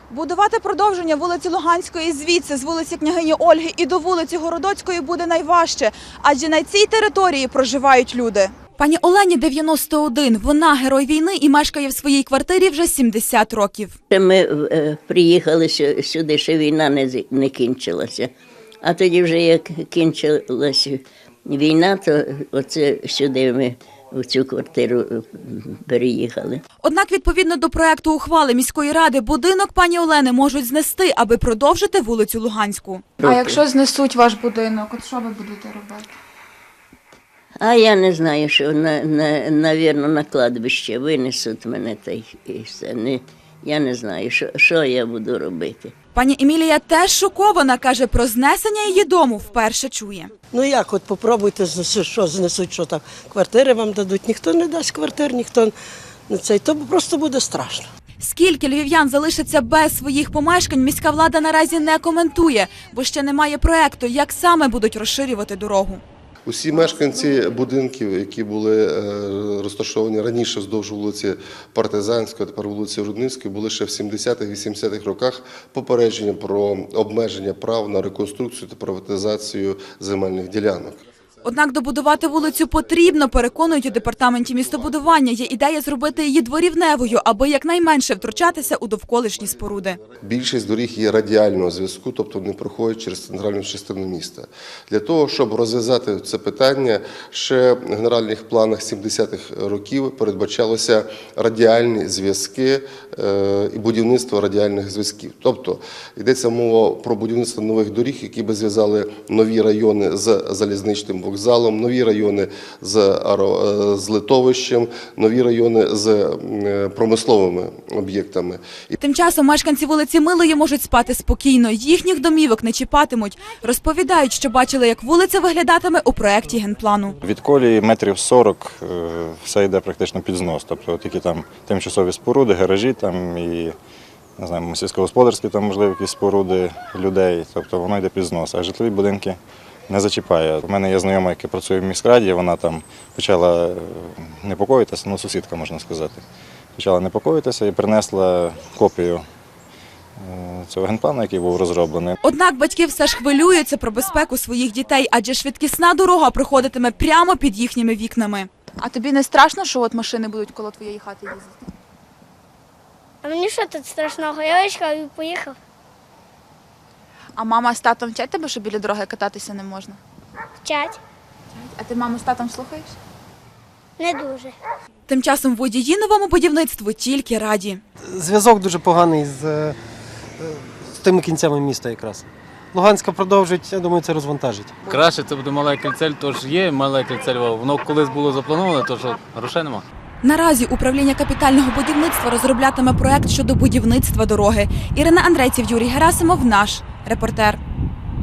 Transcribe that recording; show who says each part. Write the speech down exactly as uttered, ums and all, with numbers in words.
Speaker 1: Будувати продовження вулиці Луганської звідси, з вулиці Княгині Ольги і до вулиці Городоцької буде найважче, адже на цій території проживають люди. Пані Олені дев'яносто один. Вона герой війни і мешкає в своїй квартирі вже сімдесят років.
Speaker 2: Ми е, приїхали сюди, ще війна не, з- не кінчилася. А тоді вже як кінчилася війна, то оце сюди ми в цю квартиру е, переїхали.
Speaker 1: Однак, відповідно до проекту ухвали міської ради, будинок пані Олени можуть знести, аби продовжити вулицю Луганську.
Speaker 3: А якщо знесуть ваш будинок, от що ви будете робити?
Speaker 2: А я не знаю, що, на, на, навірно, на кладбище винесуть мене, та й і все. Не, я не знаю, що, що я буду робити.
Speaker 1: Пані Емілія теж шокована, каже, про знесення її дому вперше чує.
Speaker 4: Ну як, от попробуйте, знесуть, що знесуть, що там, квартири вам дадуть. Ніхто не дасть квартир, ніхто не цей, то просто буде страшно.
Speaker 1: Скільки львів'ян залишаться без своїх помешкань, міська влада наразі не коментує, бо ще немає проекту, як саме будуть розширювати дорогу.
Speaker 5: Усі мешканці будинків, які були розташовані раніше вздовж вулиці Партизанської, а тепер вулиці Рудницької, були ще в сімдесятих-вісімдесятих роках попередження про обмеження прав на реконструкцію та приватизацію земельних ділянок.
Speaker 1: Однак добудувати вулицю потрібно, переконують у департаменті містобудування. Є ідея зробити її дворівневою, аби якнайменше втручатися у довколишні споруди.
Speaker 5: Більшість доріг є радіального зв'язку, тобто не проходять через центральну частину міста. Для того, щоб розв'язати це питання, ще в генеральних планах сімдесятих років передбачалося радіальні зв'язки е, і будівництво радіальних зв'язків. Тобто йдеться мова про будівництво нових доріг, які би зв'язали нові райони з залізничним вокзалом, нові райони з, аеро, з литовищем, нові райони з промисловими об'єктами.
Speaker 1: Тим часом мешканці вулиці Милої можуть спати спокійно. Їхніх домівок не чіпатимуть. Розповідають, що бачили, як вулиця виглядатиме у проєкті генплану.
Speaker 6: Від колії метрів сорок все йде практично під знос. Тобто тільки там тимчасові споруди, гаражі там і не знаю, сільськогосподарські там можливо якісь споруди людей. Тобто воно йде під знос, а житлові будинки не зачіпає. У мене є знайома, яка працює в міськраді, вона там почала непокоїтися, ну сусідка можна сказати. Почала непокоїтися і принесла копію цього генплану, який був розроблений.
Speaker 1: Однак батьки все ж хвилюються про безпеку своїх дітей, адже швидкісна дорога проходитиме прямо під їхніми вікнами. А тобі не страшно, що от машини будуть коло твоєї хати їздити?
Speaker 7: А мені що тут страшного? Я вичкав і поїхав.
Speaker 1: А мама з татом вчать тебе, що біля дороги кататися не можна?
Speaker 7: Вчать.
Speaker 1: А ти маму з татом слухаєш?
Speaker 7: Не дуже.
Speaker 1: Тим часом водії новому будівництву тільки раді.
Speaker 8: Зв'язок дуже поганий з, е, з тими кінцями міста якраз. Луганська продовжить, я думаю, це розвантажить.
Speaker 9: Краще це буде мале кільце, тож є мале кільце Львова. Воно колись було заплановане, тож грошей нема.
Speaker 1: Наразі управління капітального будівництва розроблятиме проект щодо будівництва дороги. Ірина Андрейців, Юрій Герасимов, наш репортер.